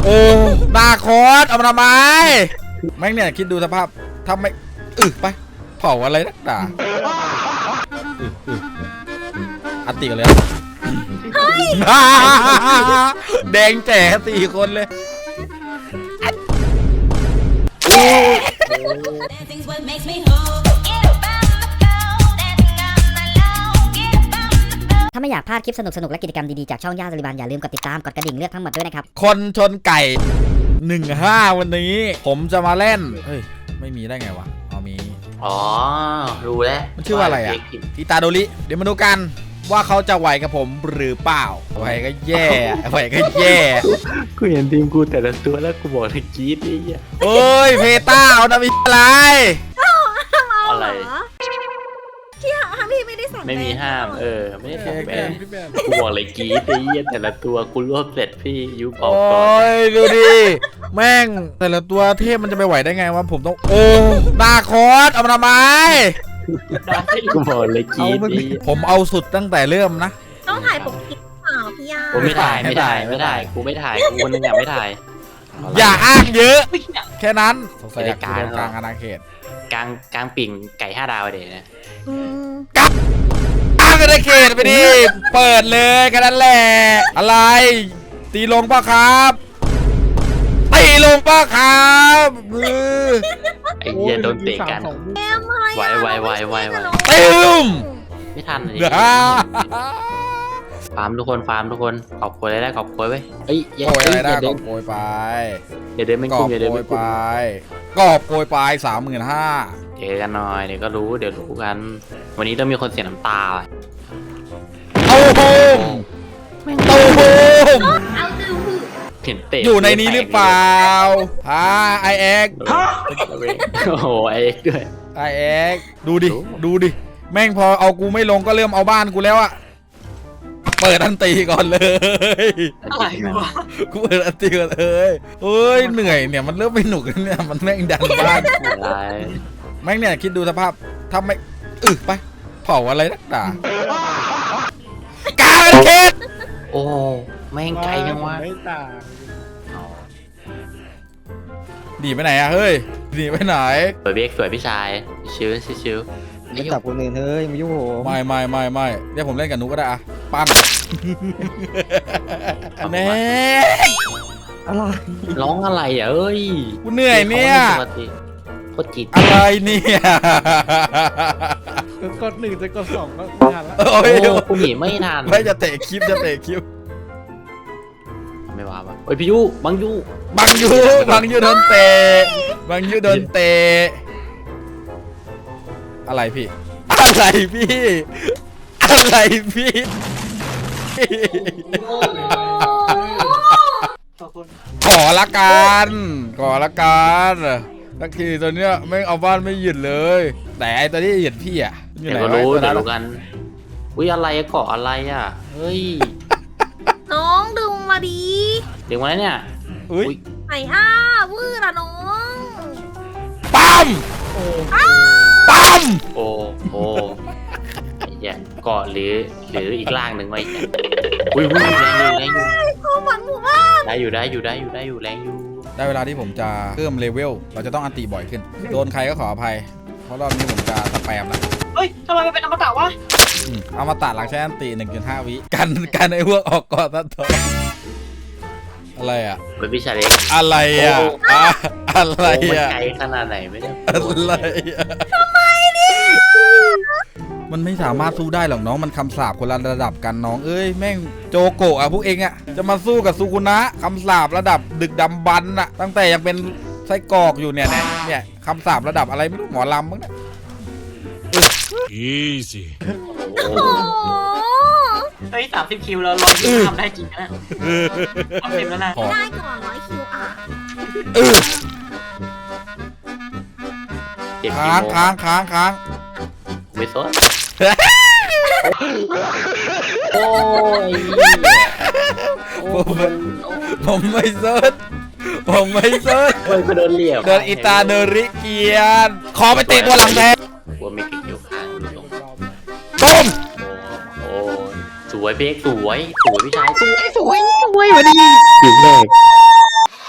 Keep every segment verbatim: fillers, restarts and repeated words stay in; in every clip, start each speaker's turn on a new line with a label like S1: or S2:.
S1: ออนาคอสเอามาทำไมแม่งเนี่ยคิดดูสภาพทำไม่อึไปเผาอะไรนักด่าอัดติกันเลยแดงแจ๋สี่คนเลย
S2: ถ้าไม่อยากพลาดคลิปสนุกๆและกิจกรรมดีๆจากช่องย่าสลิบันอย่าลืมกดติดตามกดกระดิ่งเลือกทั้งหมดด้วยนะครับ
S1: คนชนไก่หนึ่งห้าวันนี้ผมจะมาเล่นเฮ้ยไม่มีได้ไงวะเอามี
S3: อ๋อรู้แล้ว
S1: มันชื่อว่าอะไรอ่ะอิตาโดริเดี๋ยวมาดูกันว่าเขาจะไหวกับผมหรือเปล่าไหวก็แย่ไหวก็แย่
S3: กูเห็นทีมกูแต่ละตัวแล้วกูบอกเลยกรี๊ดนี่อ่ะ
S1: เอ้ยเพต้าเอาดาวิอะไร
S3: อะไร
S4: ที่ห้ามพี่ไม่ได้สั่ง
S3: ไม่มีห้ามเออไม่ได้สั่งแบนกูบอกเลยกรี๊ดนี่แต่ละตัวกูรวบเสร็จพี่ยุบออกก่อน
S1: โอ้ยดูดิแม่งแต่ละตัวเทพมันจะไปไหวได้ไงวะผมต้องโอ้นาคอสเอามาทำไม
S3: กูบอกเลยกรี๊ดนี่
S1: ผมเอาสุดตั้งแต่เริ่มนะ
S4: ต้องถ่ายปกติเปล่าพี่ยา
S3: กูไม่ถ่ายไม่ถ่ายไม่ถ่ายกูไม่ถ่ายกูคนนึงอยากไม่ถ่าย
S1: อย่าอ้างเยอะแค่นั้นสงสัยกลางกลางอาณาเขต
S3: กลางกลางปิ่งไก่ห้าดาวเดี๋ยวนะ
S1: กลางอาณาเขตไปดิเปิดเลยแค่นั้นแหละอะไรตีลงป่ะครับตีลงป่ะครับ
S3: ไอ้เหี้ยโดนเตะกันไวไวไวไวไว
S1: ตึม
S3: ไม่ทันเลยฟาร์มทุกคนฟาร์มทุกคนขอบคุณได้ขอบคุณไว้เอ้ย
S1: อย่าเดินขอบโกยไป
S3: อย่าเดินไม่กุ้งอย่าเดินไม่
S1: กุ้งไปกอบโกยไปสามหมื่นห้า
S3: เจอกันหน่อยเดี๋ยวก็รู้เดี๋ยวรู้กันวันนี้ต้องมีคนเสียน้ำตา
S1: เต้าหู้เต้าหู้
S3: เห็นเตะ
S1: อยู่ในนี้หรือเปล่าฮะไอเอ็ก
S3: โอ้โหไอเอ็กด้วย
S1: ไอเอ็กดูดิดูดิแม่งพอเอากูไม่ลงก็เริ่มเอาบ้านกูแล้วอะเปิดอันตีก่อนเลย
S3: อะไรวะ
S1: กูเปิดอันตีก่อนเลยเฮ้ยเหนื่อยเนี่ยมันเริ่มไม่หนุกเนี่ยมันแม่งดันบ้านกูแม่งเนี่ยคิดดูสภาพทำไม่อึไปเผาอะไรนักด่ากาเค็ด
S3: โอ้แม่งไกลยังวะ
S1: ดีไปไหนอะเฮ้ยดีไปไหน
S3: สวยเบกสวยพี่ชายชิวชิว
S5: ไม่จับคนอื่นเฮ้ยมายุ่งผม
S1: ไม่ไม่ไม่ไม่เดี๋ยวผมเล่นกับนุกก็ได้อะปั้นแน่
S5: อะไร
S3: ร้องอะไรอ่ะเอ้ย
S1: กูเหนื่อยเนี่ย
S3: โคตรจิต
S1: อะไรเนี่ย
S5: กดหนึ่งจะกดสองก็ทันแล้ว
S1: โอ้ย
S3: กูหนีไม่ทัน
S1: ไม่จะเตะคลิปจะเตะคลิป
S3: ไม่ว่าปะโอ้ยพี่ยูบังยู
S1: บังยูบังยูโดนเตะบังยูโดนเตะอะไรพี่อะไรพี่อะไรพี่ขอละกันขอละกันสักทีตัวเนี้ยไม่เอาบ้านไม่หยุดเลยแต่ไอตัวที่หยุดพี่อ่ะ
S3: เดี๋ยวรู้เดี๋ยวรู้กันอุ้ยอะไรเกาะอะไรอ่ะเฮ้ย
S4: น้องดึงมาดี
S3: ดึงมาเนี่ย
S1: อุ้ย
S4: ไหนอ้าวื้อละน้อง
S1: ปั๊มปั๊ม
S3: โอ้โหอย่าเกาะหรือหรืออีกล่างหนึ่งไว้อุ้ยอุ้ยแรงอยู่แรงอยู่
S4: ความหวังหมู่บ้าน
S3: ได้อยู่ได้อยู่ได้อยู่ได้อยู่แรงอยู่
S1: ได้เวลาที่ผมจะเพิ่มเลเวลเราจะต้องอันตีบ่อยขึ้นโดนใครก็ขออภัยเพราะรอบนี้ผมจะสแปมนะ
S4: เฮ้ยทำไมมันเป็นอมตะวะ
S1: อมตะหลังใช้อันตี หนึ่งจุดห้า วิกันกันไอ้พวกออกก่อนตัดต่ออะไรอ่ะ
S3: เป็นวิชาเล็ก
S1: อะไรอ่ะอะไรอ่ะ
S3: ไกลขนาดไหนไม่ได้
S1: อะไรอ่ะ
S4: ทำไมเนี่ย
S1: มันไม่สามารถสู้ได้หรอกน้องมันคำสาปคนละระดับกันน้องเอ้ยแม่งโจโกะอ่ะพวกเองอ่ะจะมาสู้กับซูกุนะคำสาประดับดึกดำบรรพ์อ่ะตั้งแต่ยังเป็นไส้กรอกอยู่เนี่ยเนี่ยคำสาประดับอะไรไม่รู้หมอลำมั้งเนี่ย
S6: อีซี่
S4: เฮ้ย
S3: สามสิบคิวแล้วร้อยคิวทำได้จริงนะทำเต็มแล้วนะ
S4: ได้ก่อนร้อยคิวอ่ะ
S1: ค้างค้างค้างค้าง
S3: ไม่สนโอ้ย
S1: ผมผมไม่สนผมไม่สน
S3: เฮ้ยโดนเหลี่ยม
S1: โดนอิตาเนริเกียนคอไปเตะตัวหลังแทน
S3: ว่าไม่ติดอยู่ข้างตรง
S1: ต้ม
S3: โอ้สวยเบกสวยสวยพี่ชายสวยสวย
S4: สวย
S3: วันนี้ถึงเลย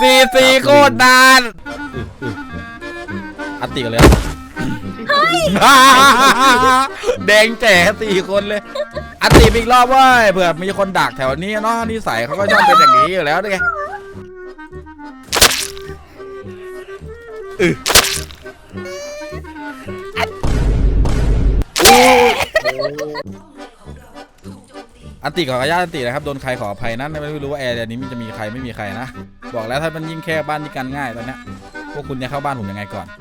S1: สี่สี่โคตรนานอัตติกันเลยแดงแจ๋สี่คนเลยอัตติอีกรอบเว้ยเผื่อมีคนดักแถวนี้เนาะนิสัยเขาก็ชอบเป็นอย่างนี้อยู่แล้วไงอันติขออนุญาตอันตินะครับโดนใครขออภัยนะไม่รู้ว่าแอร์นี้มันจะมีใครไม่มีใครนะบอกแล้วถ้ามันยิ่งแค่บ้านที่กันง่ายตอนนี้พวกคุณจะเข้าบ้านผมยังไงก่อน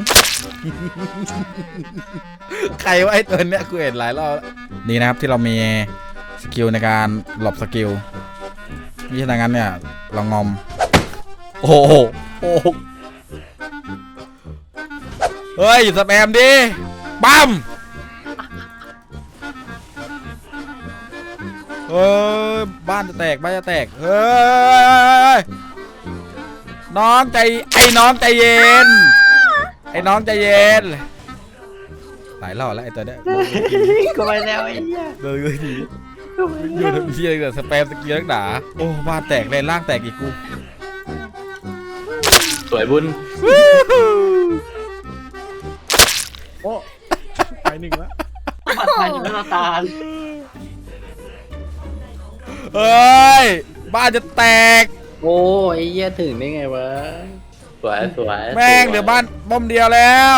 S1: ใครวะไอ้ตัวเนี้ยกูเห็นหลายรอบนี่นะครับที่เรามีสกิลในการหลบสกิลนี่ฉะนั้นเนี่ยเรางอมโอ้โหโอ้โหเฮ้ยสแปมดิปั๊มเฮ้ยบ้านจะแตกบ้านจะแตกเฮ้ยน้องใจไอ้น้องใจเย็นไอ้น้องใจเย็นหลายรอบแล้วไอ้ตัวเนี้ย
S5: ก็ไปแล้วไอ้เหี้ย
S1: เดินเลยทีอยู่ทำเชี่ยเลยสแปมสกิลนักหนาโอ้บ้านแตกเลยล่างแตกอีกกู
S3: สวยบุญ
S5: โอ้ไปหนึ่งแล้ว
S4: บัดไปอยู่แล้วตาล
S1: เฮ้ยบ้านจะแตก
S3: โอ้ยเหี้ยถึงได้ไงวะสวยสวย
S1: แม่งเหลือบ้านบ้อมเดียวแล้ว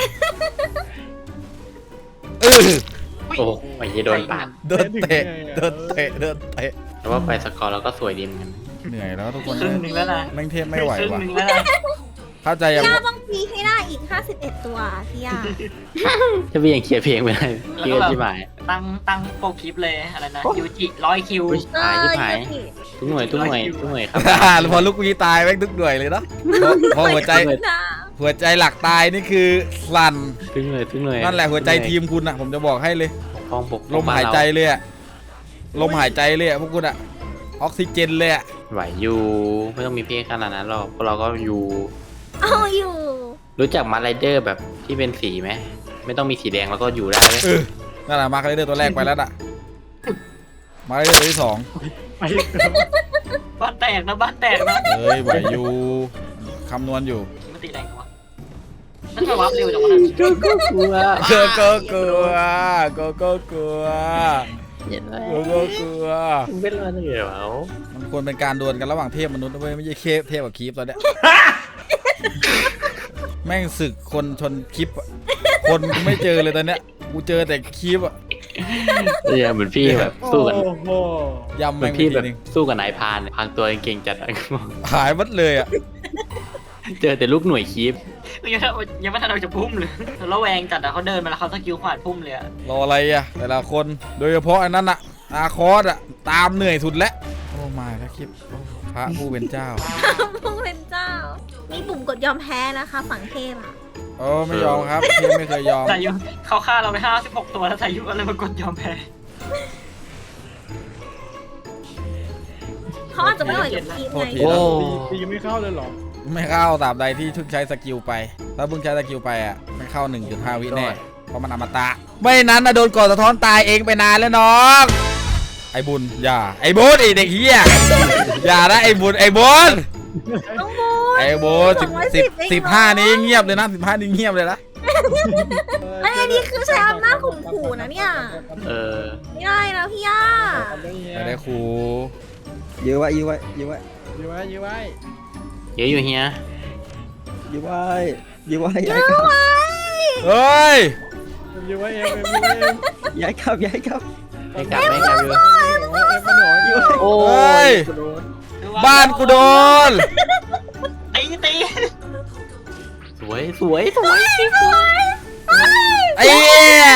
S1: เออ
S3: โอ้ยเหี้ยโดนปาด
S1: เดินเตะเดินเตะเดินเตะ
S3: แต่ว่าไปสกอร์เราก็สวยดีเหมือนกัน
S1: เหนื่อยแล้วทุกคน
S4: ครึ่งหนึ่งแล้วนะ
S1: แม่งเทพไม่ไหว
S4: ครึ่ง
S1: ว่ะ
S4: หนึ่งแล้วนะ
S1: เข้าใจยัง
S7: พี่ย่าต้องพีให้ได้อีกห้าสิบเอ็ดตัวพี่ย่า
S3: ถ้าพี่ยังเคลียร์เพลงไม่ได้พี่ก็ชิบหาย
S4: ตั้งตั้งโปรคลิปเลยอะไรนะยูจิร้อยคิว
S3: อุ๊ย
S7: เอ
S3: หาย
S7: อ
S3: ชิบหาย
S7: ยูกิ
S3: ทุกหน่วยทุกหน่วยทุกหน่วยครับ
S1: พอลูกวีตายแม่งทุกหน่วยเลยเนาะพอพอหัวใจ
S7: นะ
S1: หัวใจหลักตายนี่คือสั่น
S3: ทุกหน่วยทุกหน่วย
S1: นั่นแหละหัวใจทีมคุณอ่ะผมจะบอกให้เลย
S3: ห้องปก
S1: ลมหายใจเลยอะลมหายใจเลยอะพวกคุณอะออกซิเจนเลยอะ
S3: ไหวอยู่ไม่ต้องมีเพลงขนาดนั้นหรอกพวกเราก็อยู่
S7: เอาอยู่
S3: รู้จักมาร์ไรเดอร์แบบที่เป็นสีไหมไม่ต้องมีสีแดงแล้วก็อยู่ได้ไหม
S1: เออนั่นแหละมาร์คเลเดอร์ตัวแรกไปแล้วน่ะมาร์คเลเดอร์ตัวที่สอง
S5: ไปอีกแล้ว
S4: บ้านแตกนะบ้านแตกนะ
S1: เฮ้ยไหวอยู่คำนวณอยู่
S4: มันตีแรงวะนั่นจะวับเร็วจังวะนั่น
S3: ก็กลัว
S1: เกอโกกลัวโกโกกลัว
S3: เห็นไหม
S1: โกโกกลัว
S3: มึงเป็นอะไรเหรอ
S1: มันควรเป็นการดวลกันระหว่างเทพมนุษย์นะเว้ยไม่ใช่เคพเทพกับคีปตอนเนี้ยแม่งศึกคนชนคลิปอะคนกูไม่เจอเลยตอนเนี้ยกูเจอแต่คลิปอะ
S3: เออเหมือนพี่แบบสู้กัน
S5: โอ้โห
S1: ยำ
S3: เหมื
S1: แม่
S3: อน
S1: งไป
S3: พี่
S1: ที
S3: แบบ
S1: นึง
S3: สู้กับนายพรานพรางตัวเก่งจัดอะ
S1: หายหมดเลยอะ
S3: เจอแต่ลูกหน่วยคีฟ
S4: ยังยังไม่ทันเราจะพุ่มเลยแล้วแวงจัดอะเขาเดินมาแล้วเขาสกิลขวานพุ่มเลยอะ
S1: รออะไรอะแต่ละคนโดยเฉพาะอันนั้นอะอาคอสอะตามเหนื่อยสุดแล้วโอ้มาแล้วคลิปโอ้พระผู้เป็นเจ้า
S7: พุ่งเป็นเจ้า มีปุ่มกดยอมแพ้นะคะ ฝั่งเทพอ่ะ
S1: โอ้ไม่ยอมครับเทพไม่เคยยอม
S4: สายุเขาฆ่าเราไปห้าสิบหกตัวแล้วสายุก็เลยมากดยอมแพ้
S7: เขาอาจจะไม่ไหวกับทีม
S1: โทษ
S7: ไง
S1: ที
S3: โอ้
S5: ตีไม่เข้าเลยเหรอ
S1: ไม่เข้าตราบใดที่เพิ่งใช้สกิลไปถ้าเพิ่งใช้สกิลไปอะไม่เข้า หนึ่งจุดห้า วิแน่เพราะมันอมตะไม่นั้นนะโดนกดสะท้อนตายเองไปนานแล้วน้องไอ้บุญอย่าไอ้บุญไอ้เด็กเฮียอย่านะไอ้บุญไอ้บุญ
S7: น้องบู
S1: ไอ้บุญสิบสิบสิบห้านี้เงียบเลยนะสิบห้านี้เงียบเลยนะ
S7: ไอ้นี่คือใช้อำนาจข่มขู่นะเนี่ย
S3: เออ
S7: ไม่ได้นะพี่ย่า
S1: ไม่ได้ครู
S5: ยื้อไว้ยื้อไว้ยื้อไว้ยื้อไว้ยื้อไว้
S3: เยอะอยู่เฮีย
S5: ยื้อไว้ยื้อไว้
S7: เย
S5: ย้าย
S7: อะ
S5: กลับ
S7: ไว้
S1: เฮ้ย
S5: ยื้อไว้เอ็มเอ็มยื้อไว้เอ็มย้ายกลับย้ายกลับ
S3: ไม่กลับไม่กลับอยู่
S5: เอ็มมาหน่อยยื้อไว้
S3: โอ้
S1: เฮ้
S3: ย
S1: ยบ้านกูโดน
S4: ตีตี
S3: สวยสวยสวย
S1: ไอ้เหี้ย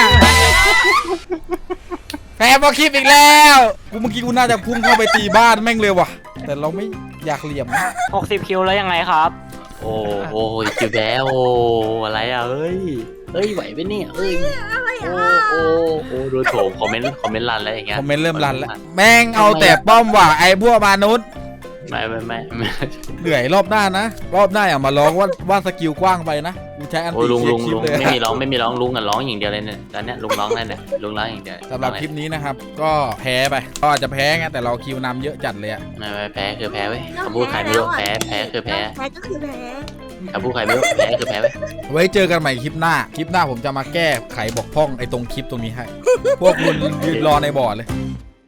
S1: แพ้พอคลิปอีกแล้วกูเมื่อกี้กูน่าจะพุ่งเข้าไปตีบ้านแม่งเลยว่ะแต่เราไม่อยากเหลี่ยมนะ
S4: หกสิบคิวแล้วยังไงครับ
S3: โอ้โหคิวแบโอ้อะไรอ่ะเอ้ยเอ้ยไหวไหมเนี่ยเอ้ย
S7: อะไร
S3: โอ้
S7: อ่ะ
S3: โอ้โอ้ดูโถมคอมเมนต์คอมเมนต์รันแล้วอย่างเงี้ย
S1: คอมเมนต์เริ่มรันแล้วแม่งเอาแต่ป้อมว่ะไอ้พวกมนุษย์
S3: ไม่ไม่ไม่ไม่
S1: เหนื่อยรอบหน้านะ รอบหน้าอย่ามาร้องว่าว่าสกิลกว้างไปนะกูใช้อัน
S3: โอ้
S1: ติ
S3: ลุง
S1: เคลีย
S3: ลุง
S1: ร์คลิป
S3: ลุง
S1: เลย
S3: ไม่มีร้องไม่มีร้องลุงอ่ะร้องอย่างเดียวเลยเนี่ยตอนเนี้ยลุงร้องนั่นแหละลุงร้องอย่างเดียว
S1: สำหรับคลิปนี้นะครับ ก็แพ้ไปก็อาจจะแพ้ไงแต่เราคิวนำเยอะจัดเลยอะ
S3: ไม่ไม่แพ้คือแพ้เว้ยคำพูดใครไม่รู้แพ้แพ้คือแพ้
S7: แพ้ก็คือแพ้
S3: คำพูดใครไม่รู้แพ้คือแพ้เว้ย
S1: ไว้เจอกันใหม่คลิปหน้า คลิปหน้าผมจะมาแก้ไขบกพร่องไอ้ตรงคลิปตรงนี้ให้ พวกคุณยืนรอในบอร์ดเลย